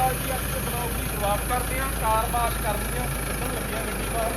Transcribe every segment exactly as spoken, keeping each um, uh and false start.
ਅਕਾਲ ਜੀ। ਅੱਜ ਦੇ ਬਲੌਗ ਦੀ ਸ਼ੁਰੂਆਤ ਕਰਦੇ ਹਾਂ। ਕਾਰ ਵਾਸ਼ ਕਰਨੀ ਆ, ਕੱਢਣ ਲੱਗਿਆ ਗੱਡੀ ਬਾਹਰ।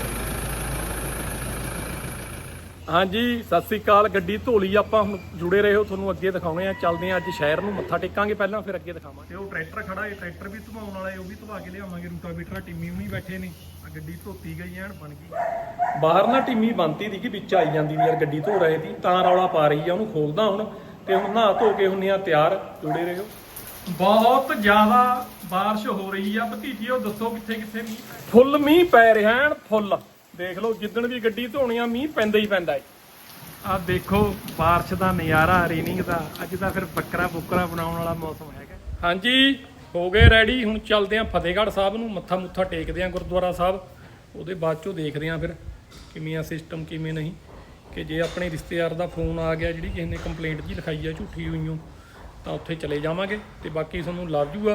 ਹਾਂਜੀ ਸਤਿ ਸ੍ਰੀ ਅਕਾਲ। ਗੱਡੀ ਧੋ ਲਈ ਆਪਾਂ, ਹੁਣ ਜੁੜੇ ਰਹੋ, ਤੁਹਾਨੂੰ ਅੱਗੇ ਦਿਖਾਉਣੇ ਆ। ਚੱਲਦੇ ਆ ਅੱਜ ਸ਼ਹਿਰ ਨੂੰ, ਮੱਥਾ ਟੇਕਾਂਗੇ ਪਹਿਲਾਂ, ਫਿਰ ਅੱਗੇ ਦਿਖਾਵਾਂਗੇ। ਤੇ ਉਹ ਟਰੈਕਟਰ ਖੜਾ ਹੈ, ਟਰੈਕਟਰ ਵੀ ਧਵਾਉਣ ਵਾਲਾ ਹੈ, ਉਹ ਵੀ ਧਵਾ ਕੇ ਲਿਆਵਾਂਗੇ। ਰੂਟਾਵੀਟਰ ਟਿੰਮੀ ਹੁਣੀ ਬੈਠੇ ਨੇ, ਆ ਗੱਡੀ ਧੋਤੀ ਗਈ ਐਨ ਬਣ ਗਈ। ਬਾਹਰ ਨਾ ਟਿੰਮੀ ਬਣਤੀ ਦੀ ਕਿ ਵਿੱਚ ਆਈ ਜਾਂਦੀ ਵੀ ਯਾਰ ਗੱਡੀ ਧੋ ਰਹੇ ਸੀ, ਤਾਂ ਰੌਲਾ ਪਾ ਰਹੀ ਆ। ਉਹਨੂੰ ਖੋਲਦਾ ਹੁਣ, ਤੇ ਹੁਣ ਨਹਾ ਧੋ ਕੇ ਹੁੰਨੇ ਆ ਤਿਆਰ। ਜੁੜੇ ਰਹੋ। ਬਹੁਤ ਜ਼ਿਆਦਾ ਬਾਰਿਸ਼ ਹੋ ਰਹੀ ਆ ਭਤੀਜੀਓ, ਦੱਸੋ ਕਿੱਥੇ ਕਿੱਥੇ ਮੀਂਹ? ਫੁੱਲ ਮੀਂਹ ਪੈ ਰਿਹਾ ਐਨ ਫੁੱਲ। ਦੇਖ ਲਓ, ਜਿੱਦਣ ਵੀ ਗੱਡੀ ਧੋਣੀ ਆ ਮੀਂਹ ਪੈਂਦਾ ਹੀ ਪੈਂਦਾ ਹੈ। ਆਹ ਦੇਖੋ ਬਾਰਿਸ਼ ਦਾ ਨਜ਼ਾਰਾ, ਰੇਨਿੰਗ ਦਾ। ਅੱਜ ਤਾਂ ਫਿਰ ਬੱਕਰਾ ਬੁੱਕਰਾ ਬਣਾਉਣ ਵਾਲਾ ਮੌਸਮ ਹੈਗਾ। ਹਾਂਜੀ ਹੋ ਗਏ ਰੈਡੀ, ਹੁਣ ਚੱਲਦੇ ਆ ਫਤਿਹਗੜ੍ਹ ਸਾਹਿਬ ਨੂੰ, ਮੱਥਾ ਮੁੱਥਾ ਟੇਕਦੇ ਆ ਗੁਰਦੁਆਰਾ ਸਾਹਿਬ। ਉਹਦੇ ਬਾਅਦ ਚੋਂ ਦੇਖਦੇ ਆ ਫਿਰ ਕਿਵੇਂ ਆ ਸਿਸਟਮ, ਕਿਵੇਂ ਨਹੀਂ। ਕਿ ਜੇ ਆਪਣੇ ਰਿਸ਼ਤੇਦਾਰ ਦਾ ਫੋਨ ਆ ਗਿਆ, ਜਿਹੜੀ ਕਿਸੇ ਨੇ ਕੰਪਲੇਂਟ ਜੀ ਲਿਖਾਈ ਆ ਝੂਠੀ ਹੋਈਓ, ਤਾਂ ਉੱਥੇ ਚਲੇ ਜਾਵਾਂਗੇ। ਤੇ ਬਾਕੀ ਤੁਹਾਨੂੰ ਲੱਭ ਜੂਗਾ।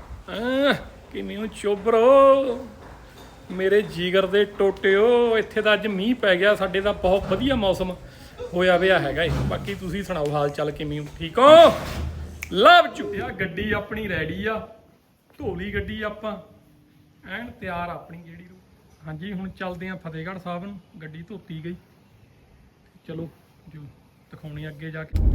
ਕਿਵੇਂ ਹੋ ਚੋਬਰੋ ਮੇਰੇ ਜੀਗਰ ਦੇ ਟੋਟਿਓ। ਇੱਥੇ ਤਾਂ ਅੱਜ ਮੀਂਹ ਪੈ ਗਿਆ, ਸਾਡੇ ਦਾ ਬਹੁਤ ਵਧੀਆ ਮੌਸਮ ਹੋਇਆ ਵਿਆ ਹੈਗਾ ਏ। ਬਾਕੀ ਤੁਸੀਂ ਸੁਣਾਓ ਹਾਲ ਚਾਲ ਕਿਵੇਂ ਹੋ? ਠੀਕ ਹੋ? ਲਵ ਚੁੱਕਿਆ ਗੱਡੀ ਆਪਣੀ ਰੈਡੀ ਆ, ਧੋ ਲਈ ਗੱਡੀ ਆਪਾਂ ਐਨ ਤਿਆਰ ਆਪਣੀ ਜਿਹੜੀ ਨੂੰ। ਹਾਂਜੀ ਹੁਣ ਚੱਲਦੇ ਆ ਫਤਿਹਗੜ੍ਹ ਸਾਹਿਬ ਨੂੰ, ਗੱਡੀ ਧੋਤੀ ਗਈ। ਚਲੋ ਜੋ ਦਿਖਾਉਣੀ ਅੱਗੇ ਜਾ ਕੇ।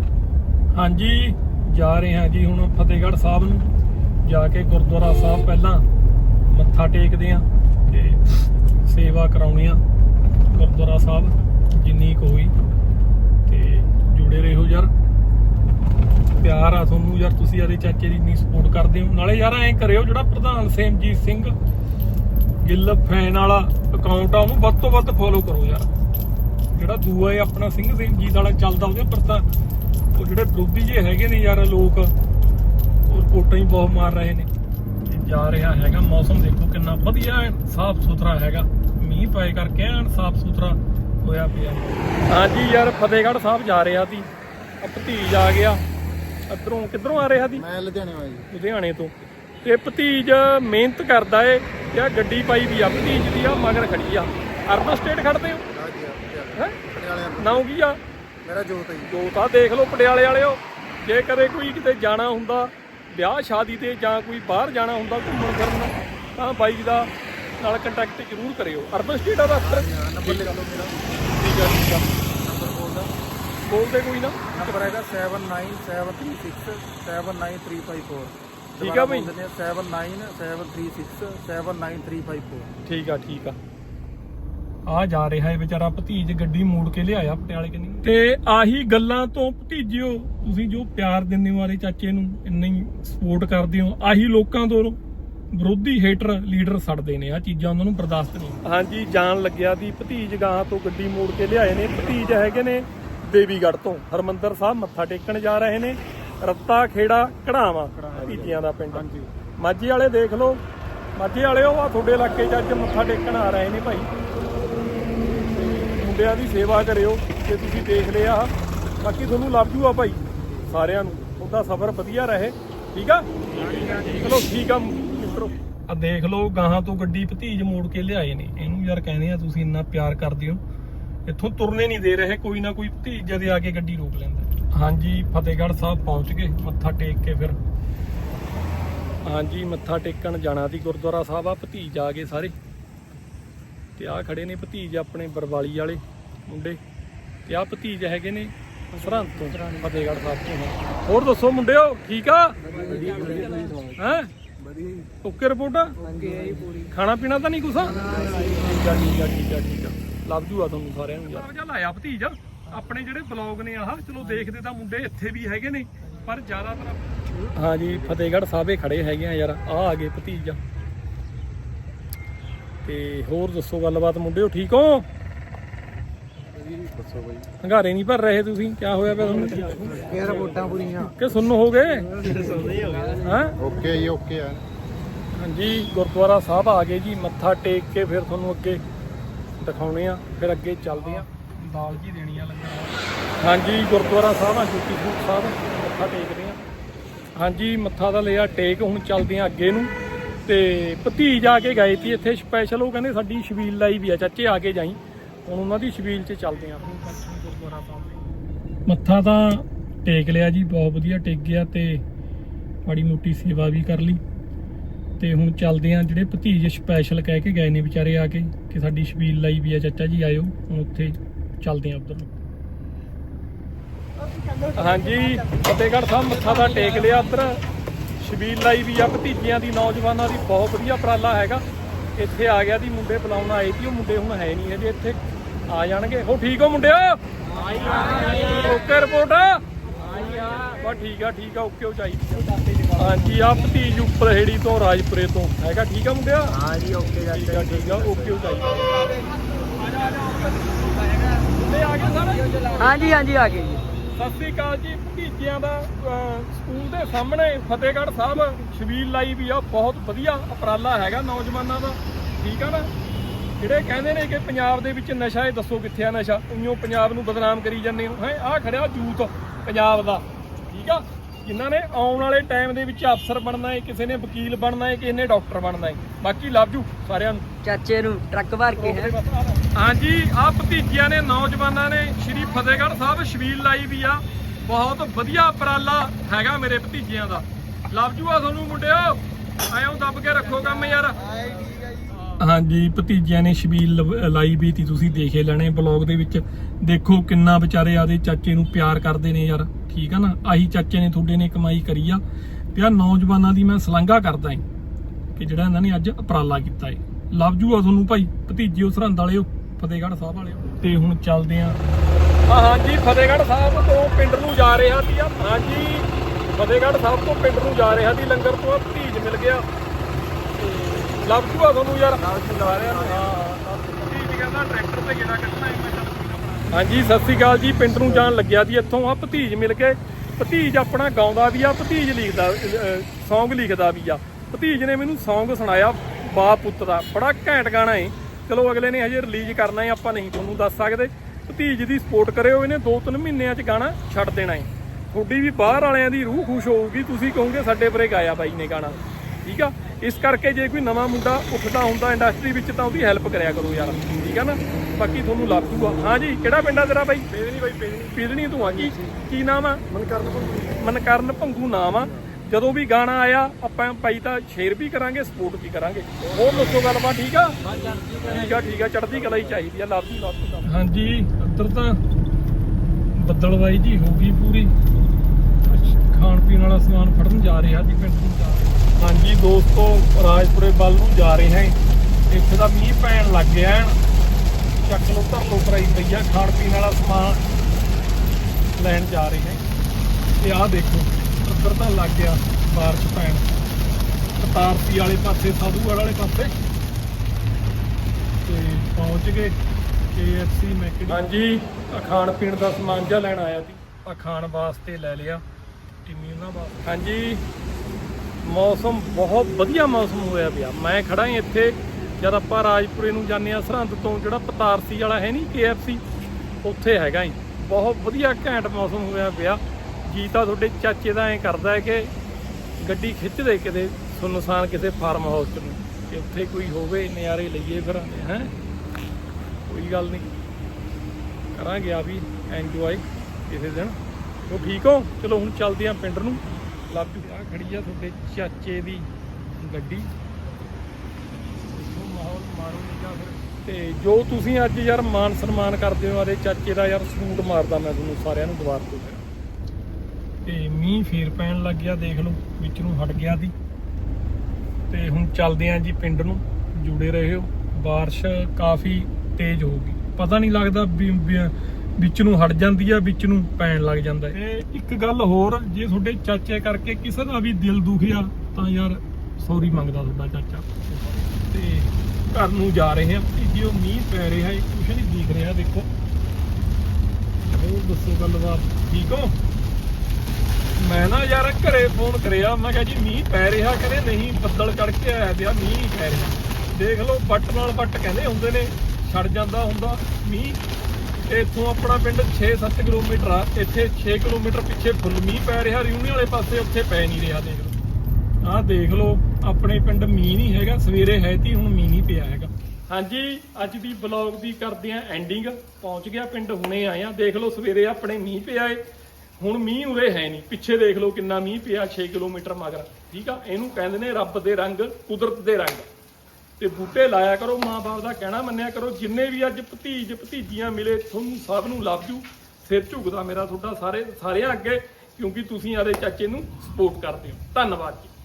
ਹਾਂਜੀ ਜਾ ਰਹੇ ਹਾਂ ਜੀ ਹੁਣ ਫਤਿਹਗੜ੍ਹ ਸਾਹਿਬ ਨੂੰ। ਜਾ ਕੇ ਗੁਰਦੁਆਰਾ ਸਾਹਿਬ ਪਹਿਲਾਂ ਮੱਥਾ ਟੇਕਦੇ ਆ ਤੇ ਸੇਵਾ ਕਰਾਉਣੀ ਆ ਗੁਰਦੁਆਰਾ ਸਾਹਿਬ ਜਿੰਨੀ ਕੁ ਹੋਈ। ਤੇ ਜੁੜੇ ਰਹੋ ਯਾਰ, ਪਿਆਰ ਆ ਤੁਹਾਨੂੰ ਯਾਰ, ਤੁਸੀਂ ਆਦੇ ਚਾਚੇ ਦੀ ਇੰਨੀ ਸਪੋਰਟ ਕਰਦੇ ਹੋ। ਨਾਲੇ ਯਾਰ ਐਂ ਕਰਿਓ, ਜਿਹੜਾ ਪ੍ਰਧਾਨ ਸੇਮਜੀਤ ਸਿੰਘ ਗਿੱਲ ਫੈਨ ਵਾਲਾ ਅਕਾਊਂਟ ਆ, ਉਹਨੂੰ ਵੱਧ ਤੋਂ ਵੱਧ ਫੋਲੋ ਕਰੋ ਯਾਰ। ਜਿਹੜਾ ਦੂਆ ਹੈ ਆਪਣਾ ਸਿੰਘ ਸੇਮਜੀਤ ਵਾਲਾ ਚੱਲਦਾ, ਉਹਦੇ ਉੱਪਰ ਤਾਂ ਉਹ ਜਿਹੜੇ ਵਿਰੋਧੀ ਜੇ ਹੈਗੇ ਨੇ ਯਾਰ ਲੋਕ, ਉਹ ਰਿਪੋਰਟਾਂ ਹੀ ਬਹੁਤ ਮਾਰ ਰਹੇ ਨੇ। ਜਾ ਰਿਹਾ ਹੈਗਾ, ਮੌਸਮ ਦੇਖੋ ਕਿੰਨਾ ਵਧੀਆ ਸਾਫ ਸੁਥਰਾ ਹੈਗਾ, ਮੀਂਹ ਪਏ ਕਰਕੇ ਐਨ ਸਾਫ ਸੁਥਰਾ ਹੋਇਆ ਪਿਆ। ਹਾਂਜੀ ਯਾਰ ਫਤਿਹਗੜ੍ਹ ਸਾਹਿਬ ਜਾ ਰਿਹਾ ਸੀ, ਭਤੀਜ ਆ ਗਿਆ। ਇੱਧਰੋਂ ਕਿੱਧਰੋਂ ਆ ਰਿਹਾ ਸੀ? ਮੈਂ ਲੁਧਿਆਣੇ ਆਇਆ ਜੀ। ਲੁਧਿਆਣੇ ਤੋਂ। ਤੇ ਭਤੀਜ ਮਿਹਨਤ ਕਰਦਾ ਏ, ਤੇ ਗੱਡੀ ਪਾਈ ਵੀ ਆ ਭਤੀਜ ਦੀ, ਆ ਮਗਰ ਖੜੀ ਆ। ਅਰਬਨ ਸਟੇਟ ਖੜਦੇ ਹੋ? ਨਾਮ ਕੀ ਆ? ਮੇਰਾ ਜੋਤ ਹੈ ਜੀ। ਜੋਤ ਆ। ਦੇਖ ਲਓ ਪਟਿਆਲੇ ਵਾਲਿਓ, ਜੇ ਕਦੇ ਕੋਈ ਕਿਤੇ ਜਾਣਾ ਹੁੰਦਾ ਵਿਆਹ ਸ਼ਾਦੀ ਤੇ, ਜਾਂ ਕੋਈ ਬਾਹਰ ਜਾਣਾ ਹੁੰਦਾ ਘੁੰਮਣ ਫਿਰਨ, ਤਾਂ ਬਾਈਕ ਦਾ ਨਾਲ ਕੰਟੈਕਟ ਜ਼ਰੂਰ ਕਰਿਓ। ਅਰਬਨ ਸਟੇਟ ਆ ਦਾ ਅਫਸਰ ਨੰਬਰ ਲਿਖ ਲਓ ਮੇਰਾ। ਠੀਕ ਆ ਠੀਕ ਆ, ਨੰਬਰ ਬੋਲਦਾ ਬੋਲਦੇ ਕੋਈ ਨਾ। ਨੰਬਰ ਹੈਗਾ seven nine seven three six seven nine three five four. ਠੀਕ ਆ ਭਾਈ, seven nine seven three six seven nine three five four. ਠੀਕ ਆ ਠੀਕ ਆ। ਆ ਜਾ ਰਿਹਾ ਹੈ ਵਿਚਾਰਾ ਭਤੀਜ, ਗੱਡੀ ਮੋੜ ਕੇ ਲਿਆਇਆ ਪਟਿਆਲੇ ਕਿੰਨੀ। ਤੇ ਆਹੀ ਗੱਲਾਂ ਤੋਂ ਭਤੀਜਿਓ, ਤੁਸੀਂ ਜੋ ਪਿਆਰ ਦਿੰਦੇ ਹੋ ਵਾਲੇ ਚਾਚੇ ਨੂੰ, ਇੰਨਾ ਹੀ ਸਪੋਰਟ ਕਰਦੇ ਹੋ, ਆਹੀ ਲੋਕਾਂ ਤੋਂ ਵਿਰੋਧੀ ਹੇਟਰ ਲੀਡਰ ਸੜਦੇ ਨੇ। ਆ ਚੀਜ਼ਾਂ ਉਹਨਾਂ ਨੂੰ ਬਰਦਾਸ਼ਤ ਨਹੀਂ। ਹਾਂਜੀ ਜਾਣ ਲੱਗਿਆ ਦੀ ਭਤੀਜ ਗਾਂ ਤੋਂ ਗੱਡੀ ਮੋੜ ਕੇ ਲਿਆਏ ਨੇ। ਭਤੀਜ ਹੈਗੇ ਨੇ ਦੇਵੀਗੜ੍ਹ ਤੋਂ, ਹਰਮੰਦਰ ਸਾਹਿਬ ਮੱਥਾ ਟੇਕਣ ਜਾ ਰਹੇ ਨੇ। ਰੱਤਾ ਖੇੜਾ ਕਢਾਵਾ ਭਤੀਜਿਆਂ ਦਾ ਪਿੰਡ। ਮਾਝੇ ਵਾਲੇ ਦੇਖ ਲਓ, ਮਾਝੇ ਵਾਲੇ ਉਹ ਆ ਤੁਹਾਡੇ ਇਲਾਕੇ 'ਚ ਅੱਜ ਮੱਥਾ ਟੇਕਣ ਆ ਰਹੇ ਨੇ ਭਾਈ। ਮੁੰਡਿਆਂ ਦੀ ਸੇਵਾ ਕਰਿਓ ਜੇ ਤੁਸੀਂ ਦੇਖ ਲਿਆ। ਬਾਕੀ ਤੁਹਾਨੂੰ ਲੱਭ ਜੂਆ ਭਾਈ ਸਾਰਿਆਂ ਨੂੰ, ਉਹਦਾ ਸਫ਼ਰ ਵਧੀਆ ਰਹੇ। ਠੀਕ ਆ ਚਲੋ ਠੀਕ ਆ ਮਿੱਤਰੋ। ਆ ਦੇਖ ਲਓ ਗਾਹਾਂ ਤੋਂ ਗੱਡੀ ਭਤੀਜ ਮੋੜ ਕੇ ਲਿਆਏ ਨੇ। ਇਹਨੂੰ ਯਾਰ ਕਹਿੰਦੇ ਆ ਤੁਸੀਂ ਇੰਨਾ ਪਿਆਰ ਕਰਦੇ ਹੋ, ਇੱਥੋਂ ਤੁਰਨੇ ਨਹੀਂ ਦੇ ਰਹੇ। ਕੋਈ ਨਾ ਕੋਈ ਭਤੀਜ ਜਦੇ ਆ ਕੇ ਗੱਡੀ ਰੋਕ ਲੈਂਦਾ। ਹਾਂਜੀ ਫਤਿਹਗੜ੍ਹ ਸਾਹਿਬ ਪਹੁੰਚ ਗਏ, ਮੱਥਾ ਟੇਕ ਕੇ ਫਿਰ ਹਾਂਜੀ ਮੱਥਾ ਟੇਕਣ ਜਾਣਾ ਸੀ ਗੁਰਦੁਆਰਾ ਸਾਹਿਬ। ਆ ਭਤੀਜ ਆ ਗਏ ਸਾਰੇ, ਤੇ ਆ ਖੜੇ ਨੇ ਭਤੀਜ ਆਪਣੇ ਬਰਵਾਲੀ ਵਾਲੇ ਮੁੰਡੇ, ਤੇ ਆ ਭਤੀਜ ਹੈਗੇ ਨੇ ਸਰਹੰਦ ਤੋਂ, ਫਤਿਹਗੜ੍ਹ ਸਾਹਿਬ ਤੋਂ। ਹੋਰ ਦੱਸੋ ਮੁੰਡਿਓ, ਠੀਕ ਆ? ਹੈਂ ਓਕੇ ਰਿਪੋਰਟ ਆ? ਖਾਣਾ ਪੀਣਾ ਤਾਂ ਨਹੀਂ ਕੁਛ? ਠੀਕ ਆ ਠੀਕ ਆ ਠੀਕ ਆ ਠੀਕ ਆ, ਲੱਭ ਜੂਆ ਤੁਹਾਨੂੰ ਸਾਰਿਆਂ ਨੂੰ ਯਾਰ। ਜਾ ਲਾਇਆ ਭਤੀਜ ਆਪਣੇ ਜਿਹੜੇ ਬਲੌਗ ਨੇ ਆਹ, ਚਲੋ ਦੇਖਦੇ ਤਾਂ ਮੁੰਡੇ ਇੱਥੇ ਵੀ ਹੈਗੇ ਨੇ, ਪਰ ਜ਼ਿਆਦਾਤਰ ਹਾਂਜੀ ਫਤਿਹਗੜ੍ਹ ਸਾਹਿਬੇ ਖੜੇ ਹੈਗੇ ਆ ਯਾਰ। ਆ ਆ ਗਏ ਭਤੀਜ। ਤੇ ਹੋਰ ਦੱਸੋ ਗੱਲਬਾਤ ਮੁੰਡਿਓ, ਠੀਕ ਹੋ? ਦੱਸੋ ਬਾਈ, ਹੰਗਾਰੇ ਨਹੀਂ ਭਰ ਰਹੇ ਤੁਸੀਂ? ਕਿਆ ਹੋਇਆ ਪਿਆ ਤੁਹਾਨੂੰ? ਯਾਰ ਵੋਟਾਂ ਪੂਰੀਆਂ ਕਿ ਸੁੰਨ ਹੋ ਗਏ? ਹਾਂ ਓਕੇ ਜੀ ਓਕੇ ਆ। ਹਾਂਜੀ ਗੁਰਦੁਆਰਾ ਸਾਹਿਬ ਆ ਗਏ ਜੀ, ਮੱਥਾ ਟੇਕ ਕੇ ਫਿਰ ਤੁਹਾਨੂੰ ਅੱਗੇ ਦਿਖਾਉਣੇ ਆ, ਫਿਰ ਅੱਗੇ ਚੱਲਦੇ ਆ। ਦਾਲ ਜੀ ਦੇਣੀ ਆ ਲੰਗਰ। ਹਾਂਜੀ ਗੁਰਦੁਆਰਾ ਸਾਹਿਬ ਆ ਜੋਤੀ ਸਰੂਪ ਸਾਹਿਬ, ਮੱਥਾ ਟੇਕਦੇ ਆ। ਹਾਂਜੀ ਮੱਥਾ ਤਾਂ ਲਿਆ ਟੇਕ, ਹੁਣ ਚੱਲਦੇ ਆ ਅੱਗੇ ਨੂੰ। ਤੇ ਭਤੀਜ ਆ ਕੇ ਗਏ ਸੀ ਇੱਥੇ ਸਪੈਸ਼ਲ, ਉਹ ਕਹਿੰਦੇ ਸਾਡੀ ਛਬੀਲ ਲਾਈ ਵੀ ਆ ਚਾਚੇ, ਆ ਕੇ ਜਾਈ। ਹੁਣ ਉਹਨਾਂ ਦੀ ਛਬੀਲ 'ਚ ਚੱਲਦੇ ਆ ਗੁਰਦੁਆਰਾ ਸਾਹਿਬ। ਮੱਥਾ ਤਾਂ ਟੇਕ ਲਿਆ ਜੀ, ਬਹੁਤ ਵਧੀਆ ਟੇਕ ਗਿਆ, ਤੇ ਮਾੜੀ ਮੋਟੀ ਸੇਵਾ ਵੀ ਕਰ ਲਈ। ਤੇ ਹੁਣ ਚੱਲਦੇ ਆ, ਜਿਹੜੇ ਭਤੀਜ ਸਪੈਸ਼ਲ ਕਹਿ ਕੇ ਗਏ ਨੇ ਵਿਚਾਰੇ ਆ ਕੇ ਕਿ ਸਾਡੀ ਛਬੀਲ ਲਾਈ ਵੀ ਆ ਚਾਚਾ ਜੀ ਆਇਓ, ਹੁਣ ਉੱਥੇ ਚੱਲਦੇ ਆ ਉੱਧਰ ਨੂੰ। ਹਾਂਜੀ ਫਤਿਹਗੜ੍ਹ ਸਾਹਿਬ ਮੱਥਾ ਦਾ ਟੇਕ ਲਿਆ, ਉੱਧਰ ਛਬੀਲ ਲਾਈ ਵੀ ਆ ਭਤੀਜਿਆਂ ਦੀ, ਨੌਜਵਾਨਾਂ ਦੀ, ਬਹੁਤ ਵਧੀਆ ਉਪਰਾਲਾ ਹੈਗਾ। ਇੱਥੇ ਆ ਗਿਆ ਦੀ, ਮੁੰਡੇ ਬੁਲਾਉਣ ਆਏ ਸੀ, ਉਹ ਮੁੰਡੇ ਹੁਣ ਹੈ ਨਹੀਂ ਹੈਗੇ ਇੱਥੇ, ਆ ਜਾਣਗੇ। ਹੋ ਠੀਕ ਹੋ ਮੁੰਡਿਓ? ਓਕੇ ਰਿਪੋਰਟ ਬਸ ਠੀਕ ਆ ਠੀਕ ਆ ਓਕੇ ਹੋ ਚਾਹੀਦੀ। ਹਾਂਜੀ ਆ ਭਤੀਜ ਉੱਪਰ ਹੇੜੀ ਤੋਂ ਰਾਜਪੁਰੇ ਤੋਂ ਹੈਗਾ, ਠੀਕ ਆ ਮੁੰਡਿਆ? ਹਾਂਜੀ ਓਕੇ ਠੀਕ ਆ ਠੀਕ ਆ ਓਕੇ ਹੋ ਚਾਹੀਦੀ। ਆ ਗਏ ਸਾਰੇ? ਹਾਂਜੀ ਹਾਂਜੀ ਆ ਗਏ ਜੀ। ਸਤਿ ਸ੍ਰੀ ਅਕਾਲ ਜੀ। ਭਤੀਜਿਆਂ ਦਾ ਸਕੂਲ ਦੇ ਸਾਹਮਣੇ ਫਤਿਹਗੜ੍ਹ ਸਾਹਿਬ ਛਬੀਲ ਲਾਈ ਵੀ ਆ, ਬਹੁਤ ਵਧੀਆ ਉਪਰਾਲਾ ਹੈਗਾ ਨੌਜਵਾਨਾਂ ਦਾ, ਠੀਕ ਆ ਨਾ। ਜਿਹੜੇ ਕਹਿੰਦੇ ਨੇ ਕਿ ਪੰਜਾਬ ਦੇ ਵਿੱਚ ਨਸ਼ਾ, ਇਹ ਦੱਸੋ ਕਿੱਥੇ ਆ ਨਸ਼ਾ? ਉਈਓ ਪੰਜਾਬ ਨੂੰ ਬਦਨਾਮ ਕਰੀ ਜਾਂਦੇ ਹੋ ਹੈ। ਆਹ ਖੜਿਆ ਯੂਥ ਪੰਜਾਬ ਦਾ, ਠੀਕ ਆ, ਜਿਨ੍ਹਾਂ ਨੇ ਆਉਣ ਵਾਲੇ ਟਾਈਮ ਦੇ ਵਿੱਚ ਅਫਸਰ ਬਣਨਾ ਹੈ, ਕਿਸੇ ਨੇ ਵਕੀਲ ਬਣਨਾ ਹੈ, ਕਿਸੇ ਨੇ ਡਾਕਟਰ ਬਣਨਾ ਹੈ। ਬਾਕੀ ਲੱਭ ਜੂ ਸਾਰਿਆਂ ਨੂੰ, ਚਾਚੇ ਨੂੰ ਟਰੱਕ ਭਰ ਕੇ ਹੈ। ਹਾਂਜੀ ਆਹ ਭਤੀਜਿਆਂ ਨੇ, ਨੌਜਵਾਨਾਂ ਨੇ ਸ਼੍ਰੀ ਫਤਿਹਗੜ੍ਹ ਸਾਹਿਬ ਛਬੀਲ ਲਾਈ ਵੀ ਆ, ਬਹੁਤ ਵਧੀਆ ਉਪਰਾਲਾ ਹੈਗਾ ਮੇਰੇ ਭਤੀਜਿਆਂ ਦਾ। ਲੱਭ ਜੂਗਾ ਤੁਹਾਨੂੰ ਮੁੰਡਿਓ, ਆਇਓ ਦੱਬ ਕੇ ਰੱਖੋ ਕੰਮ ਯਾਰ। ਹਾਂਜੀ ਭਤੀਜਿਆਂ ਨੇ ਛਬੀਲ ਲਾਈ ਵੀ ਤੀ, ਤੁਸੀਂ ਦੇਖੇ ਲੈਣੇ ਬਲੌਗ ਦੇ ਵਿੱਚ। ਦੇਖੋ ਕਿੰਨਾ ਵਿਚਾਰੇ ਆਦੇ ਚਾਚੇ ਨੂੰ ਪਿਆਰ ਕਰਦੇ ਨੇ ਯਾਰ, ਠੀਕ ਆ ਨਾ। ਆਹੀ ਚਾਚੇ ਨੇ ਤੁਹਾਡੇ ਨੇ ਕਮਾਈ ਕਰੀ ਆ, ਤੇ ਆ ਨੌਜਵਾਨਾਂ ਦੀ ਮੈਂ ਸ਼ਲਾਘਾ ਕਰਦਾ ਏ ਕਿ ਜਿਹੜਾ ਇਹਨਾਂ ਨੇ ਅੱਜ ਉਪਰਾਲਾ ਕੀਤਾ ਏ। ਲੱਭ ਜੂਗਾ ਤੁਹਾਨੂੰ ਭਾਈ ਭਤੀਜਿਓ ਸਰਹੰਦ ਵਾਲਿਓ, ਫਤਿਹਗੜ੍ਹ ਸਾਹਿਬ ਵਾਲਿਓ। ਤੇ ਹੁਣ ਚੱਲਦੇ ਆ। ਹਾਂਜੀ ਫਤਿਹਗੜ੍ਹ ਸਾਹਿਬ ਤੋਂ ਪਿੰਡ ਨੂੰ ਜਾ ਰਿਹਾ ਸੀ। ਹਾਂਜੀ ਫਤਿਹਗੜ੍ਹ ਸਾਹਿਬ ਤੋਂ ਪਿੰਡ ਨੂੰ ਜਾ ਰਿਹਾ ਸੀ, ਲੰਗਰ ਤੋਂ ਭਤੀਜ ਮਿਲ ਗਿਆ। ਲੱਭ ਜੂਗਾ ਤੁਹਾਨੂੰ ਯਾਰ, ਭਤੀਜ ਕਹਿੰਦਾ ਟਰੈਕਟਰ ਤੇ ਗੇੜਾ ਕੱਢਣਾ। ਹਾਂਜੀ ਸਤਿ ਸ੍ਰੀ ਅਕਾਲ ਜੀ। ਪਿੰਡ ਨੂੰ ਜਾਣ ਲੱਗਿਆ ਸੀ, ਇੱਥੋਂ ਆ ਭਤੀਜ ਮਿਲ ਕੇ। ਭਤੀਜ ਆਪਣਾ ਗਾਉਂਦਾ ਵੀ ਆ, ਭਤੀਜ ਲਿਖਦਾ ਸੌਂਗ ਲਿਖਦਾ ਵੀ ਆ। ਭਤੀਜ ਨੇ ਮੈਨੂੰ ਸੌਂਗ ਸੁਣਾਇਆ ਬਾਪ ਪੁੱਤ ਦਾ, ਬੜਾ ਘੈਂਟ ਗਾਣਾ ਏ। ਚਲੋ ਅਗਲੇ ਨੇ ਹਜੇ ਰਿਲੀਜ਼ ਕਰਨਾ ਏ, ਆਪਾਂ ਨਹੀਂ ਤੁਹਾਨੂੰ ਦੱਸ ਸਕਦੇ। ਭਤੀਜ ਦੀ ਸਪੋਰਟ ਕਰਿਓ, ਇਹਨੇ ਦੋ ਤਿੰਨ ਮਹੀਨਿਆਂ 'ਚ ਗਾਣਾ ਛੱਡ ਦੇਣਾ ਏ। ਤੁਹਾਡੀ ਵੀ ਬਾਹਰ ਵਾਲਿਆਂ ਦੀ ਰੂਹ ਖੁਸ਼ ਹੋਊਗੀ, ਤੁਸੀਂ ਕਹੋਗੇ ਸਾਡੇ ਪਰੇ ਗਾਇਆ ਬਾਈ ਨੇ ਗਾਣਾ, ਠੀਕ ਆ। ਇਸ ਕਰਕੇ ਜੇ ਕੋਈ ਨਵਾਂ ਮੁੰਡਾ ਉੱਠਦਾ ਹੁੰਦਾ ਇੰਡਸਟਰੀ ਵਿੱਚ ਤਾਂ ਉਹਦੀ ਹੈਲਪ ਕਰਿਆ ਕਰੋ ਯਾਰ, ਠੀਕ ਆ ਨਾ। ਬਾਕੀ ਤੁਹਾਨੂੰ ਲੱਭ ਜੂਗਾ। ਹਾਂਜੀ ਕਿਹੜਾ ਪਿੰਡ ਆ ਤੇਰਾ ਬਾਈ? ਪੀਦਣੀ ਬਾਈ, ਪੀਦਣੀ ਪੀਦਣੀ ਤੋਂ ਆ। ਕੀ ਕੀ ਨਾਮ ਆ? ਮਨਕਰਨ ਭੰਗੂ। ਮਨਕਰਨ ਭੰਗੂ ਨਾਮ ਆ। ਜਦੋਂ ਵੀ ਗਾਣਾ ਆਇਆ ਆਪਾਂ ਭਾਈ ਤਾਂ ਸ਼ੇਅਰ ਵੀ ਕਰਾਂਗੇ, ਸਪੋਰਟ ਵੀ ਕਰਾਂਗੇ। ਹੋਰ ਦੱਸੋ ਗੱਲਬਾਤ, ਠੀਕ ਆ? ਠੀਕ ਆ ਠੀਕ ਆ ਚੜ੍ਹਦੀ ਕਲਾ ਹੀ ਚਾਹੀਦੀ ਆ। ਲੱਭ ਜੂ ਲੱਭ। ਹਾਂਜੀ ਉੱਧਰ ਤਾਂ ਬੱਦਲਵਾਈ ਜੀ ਹੋ ਗਈ ਪੂਰੀ, ਖਾਣ ਪੀਣ ਵਾਲਾ ਸਮਾਨ ਫੜਨ ਜਾ ਰਿਹਾ ਜੀ ਪਿੰਡ ਨੂੰ ਜਾ ਰਹੇ। ਹਾਂਜੀ ਦੋਸਤੋ ਰਾਜਪੁਰੇ ਵੱਲ ਨੂੰ ਜਾ ਰਹੇ ਹਾਂ। ਇੱਥੇ ਦਾ ਮੀਂਹ ਪੈਣ ਲੱਗ ਗਿਆ, ਚੱਕ ਲੋ ਧਰ ਲੋ ਕਰਾਈ ਪਈ ਆ। ਖਾਣ ਪੀਣ ਵਾਲਾ ਸਮਾਨ ਲੈਣ ਜਾ ਰਹੇ ਹਾਂ। ਤੇ ਆਹ ਦੇਖੋ ਉੱਧਰ ਤਾਂ ਲੱਗ ਗਿਆ ਬਾਰਿਸ਼ ਪੈਣ, ਕਤਾਰਪੀ ਵਾਲੇ ਪਾਸੇ, ਸਾਧੂਗੜ੍ਹ ਵਾਲੇ ਪਾਸੇ। ਤੇ ਪਹੁੰਚ ਗਏ ਕੇ ਐਫ ਸੀ ਮੈਕਡੀ। ਹਾਂਜੀ ਆ ਖਾਣ ਪੀਣ ਦਾ ਸਮਾਨ ਜਿਹਾ ਲੈਣ ਆਇਆ ਸੀ, ਆ ਖਾਣ ਵਾਸਤੇ ਲੈ ਲਿਆ ਟਿੰਮੀ ਉਹਨਾਂ ਵਾਸਤੇ। ਹਾਂਜੀ ਮੌਸਮ ਬਹੁਤ ਵਧੀਆ ਮੌਸਮ ਹੋਇਆ ਪਿਆ। ਮੈਂ ਖੜਾ ਹਾਂ ਇੱਥੇ, ਜਦ ਆਪਾਂ ਰਾਜਪੁਰੇ ਨੂੰ ਜਾਂਦੇ ਹਾਂ ਸਰਹੰਦ ਤੋਂ, ਜਿਹੜਾ ਪਤਾਰਸੀ ਵਾਲਾ ਹੈ ਨਹੀਂ ਕੇ ਐਫ ਸੀ, ਉੱਥੇ ਹੈਗਾ ਹੀ। ਬਹੁਤ ਵਧੀਆ ਘੈਂਟ ਮੌਸਮ ਹੋਇਆ ਪਿਆ। ਜੀ ਤਾਂ ਤੁਹਾਡੇ ਚਾਚੇ ਦਾ ਐਂ ਕਰਦਾ ਹੈ ਕਿ ਗੱਡੀ ਖਿੱਚ ਦੇ ਕਿਤੇ ਸੁੰਨਸਾਨ ਕਿਸੇ ਫਾਰਮ ਹਾਊਸ 'ਚ ਨੂੰ, ਕਿ ਉੱਥੇ ਕੋਈ ਹੋਵੇ, ਨਜ਼ਾਰੇ ਲਈਏ ਫਿਰ ਹੈਂ। ਕੋਈ ਗੱਲ ਨਹੀਂ, ਕਰਾਂਗੇ ਆ ਵੀ ਐਨਜੋਏ ਕਿਸੇ ਦਿਨ। ਉਹ ਠੀਕ ਹੋ? ਚਲੋ ਹੁਣ ਚੱਲਦੇ ਹਾਂ ਪਿੰਡ ਨੂੰ। ਲੱਭ ਆ ਖੜੀ ਆ ਤੁਹਾਡੇ ਚਾਚੇ ਦੀ ਗੱਡੀ, ਮਾਹੌਲ ਮਾਰੋ ਨਿੱਘਾ ਫਿਰ। ਤੇ ਜੋ ਤੁਸੀਂ ਅੱਜ ਯਾਰ ਮਾਨ ਸਨਮਾਨ ਕਰਦੇ ਹੋ ਆਦੇ ਚਾਚੇ ਦਾ, ਯਾਰ ਸਲੂਟ ਮਾਰਦਾ ਮੈਂ ਤੁਹਾਨੂੰ ਸਾਰਿਆਂ ਨੂੰ ਦੁਬਾਰ ਤੋਂ। ਤੇ ਮੀਂਹ ਫੇਰ ਪੈਣ ਲੱਗ ਗਿਆ, ਦੇਖ ਲਓ ਵਿੱਚ ਨੂੰ ਹਟ ਗਿਆ ਦੀ। ਤੇ ਹੁਣ ਚੱਲਦੇ ਆਂ ਜੀ ਪਿੰਡ ਨੂੰ, ਜੁੜੇ ਰਹੇ ਹੋ। ਬਾਰਿਸ਼ ਕਾਫੀ ਤੇਜ਼ ਹੋਊਗੀ, ਪਤਾ ਨਹੀਂ ਲੱਗਦਾ ਵੀ ਵਿੱਚ ਨੂੰ ਹਟ ਜਾਂਦੀ ਆ, ਵਿੱਚ ਨੂੰ ਪੈਣ ਲੱਗ ਜਾਂਦਾ। ਤੇ ਇੱਕ ਗੱਲ ਹੋਰ, ਜੇ ਤੁਹਾਡੇ ਚਾਚੇ ਕਰਕੇ ਕਿਸੇ ਦਾ ਵੀ ਦਿਲ ਦੁਖਿਆ ਤਾਂ ਯਾਰ ਸੌਰੀ ਮੰਗਦਾ ਤੁਹਾਡਾ ਚਾਚਾ। ਤੇ ਘਰ ਨੂੰ ਜਾ ਰਹੇ ਹਾਂ ਭਤੀਜੀ, ਉਹ ਮੀਂਹ ਪੈ ਰਿਹਾ ਹੈ, ਕੁਛ ਨਹੀਂ ਦਿਖ ਰਿਹਾ। ਦੇਖੋ ਹੋਰ ਦੱਸੋ ਗੱਲਬਾਤ, ਠੀਕ ਹੋ? ਮੈਂ ਨਾ ਯਾਰ ਘਰੇ ਫੋਨ ਕਰਿਆ, ਮੈਂ ਕਿਹਾ ਜੀ ਮੀਂਹ ਪੈ ਰਿਹਾ, ਕਹਿੰਦੇ ਨਹੀਂ ਬੱਦਲ ਕਰਕੇ ਆਇਆ ਪਿਆ, ਮੀਂਹ ਨਹੀਂ ਪੈ ਰਿਹਾ। ਦੇਖ ਲਓ ਵੱਟ ਨਾਲ ਵੱਟ ਕਹਿੰਦੇ ਹੁੰਦੇ ਨੇ, ਛੱਡ ਜਾਂਦਾ ਹੁੰਦਾ ਮੀਂਹ। ਤੇ ਇੱਥੋਂ ਆਪਣਾ ਪਿੰਡ ਛੇ ਸੱਤ ਕਿਲੋਮੀਟਰ ਆ, ਇੱਥੇ ਛੇ ਕਿਲੋਮੀਟਰ ਪਿੱਛੇ ਫੁੱਲ ਮੀਂਹ ਪੈ ਰਿਹਾ, ਰਿਊਨੀ ਵਾਲੇ ਪਾਸੇ ਉੱਥੇ ਪੈ ਨਹੀਂ ਰਿਹਾ। ਦੇਖ ਲਓ ਆਹ ਦੇਖ ਲਓ, ਆਪਣੇ ਪਿੰਡ ਮੀਂਹ ਨਹੀਂ ਹੈਗਾ, ਸਵੇਰੇ ਹੈ ਤੀ, ਹੁਣ ਮੀਂਹ ਨਹੀਂ ਪਿਆ ਹੈਗਾ। ਹਾਂਜੀ ਅੱਜ ਦੀ ਬਲੌਗ ਦੀ ਕਰਦੇ ਆ ਐਂਡਿੰਗ। ਪਹੁੰਚ ਗਿਆ ਪਿੰਡ, ਹੁਣੇ ਆਏ ਆ। ਦੇਖ ਲਓ ਸਵੇਰੇ ਆਪਣੇ ਮੀਂਹ ਪਿਆ ਏ, ਹੁਣ ਮੀਂਹ ਉਰੇ ਹੈ ਨਹੀਂ, ਪਿੱਛੇ ਦੇਖ ਲਓ ਕਿੰਨਾ ਮੀਂਹ ਪਿਆ ਛੇ ਕਿਲੋਮੀਟਰ ਮਗਰ, ਠੀਕ ਆ। ਇਹਨੂੰ ਕਹਿੰਦੇ ਨੇ ਰੱਬ ਦੇ ਰੰਗ, ਕੁਦਰਤ ਦੇ ਰੰਗ। ਤੇ ਬੂਟੇ ਲਾਇਆ ਕਰੋ, ਮਾਂ-ਬਾਪ ਦਾ ਕਹਿਣਾ ਮੰਨਿਆ ਕਰੋ। ਜਿੰਨੇ ਵੀ ਅੱਜ ਭਤੀਜ ਭਤੀਜੀਆਂ ਮਿਲੇ ਤੁਹਾਨੂੰ ਸਭ ਨੂੰ ਲਵ ਯੂ। ਸਿਰ ਝੁਕਦਾ ਮੇਰਾ ਤੁਹਾਡਾ ਸਾਰੇ ਸਾਰਿਆਂ ਅੱਗੇ, ਕਿਉਂਕਿ ਤੁਸੀਂ ਆਦੇ ਚਾਚੇ ਨੂੰ ਸਪੋਰਟ ਕਰਦੇ ਹੋ। ਧੰਨਵਾਦ ਜੀ।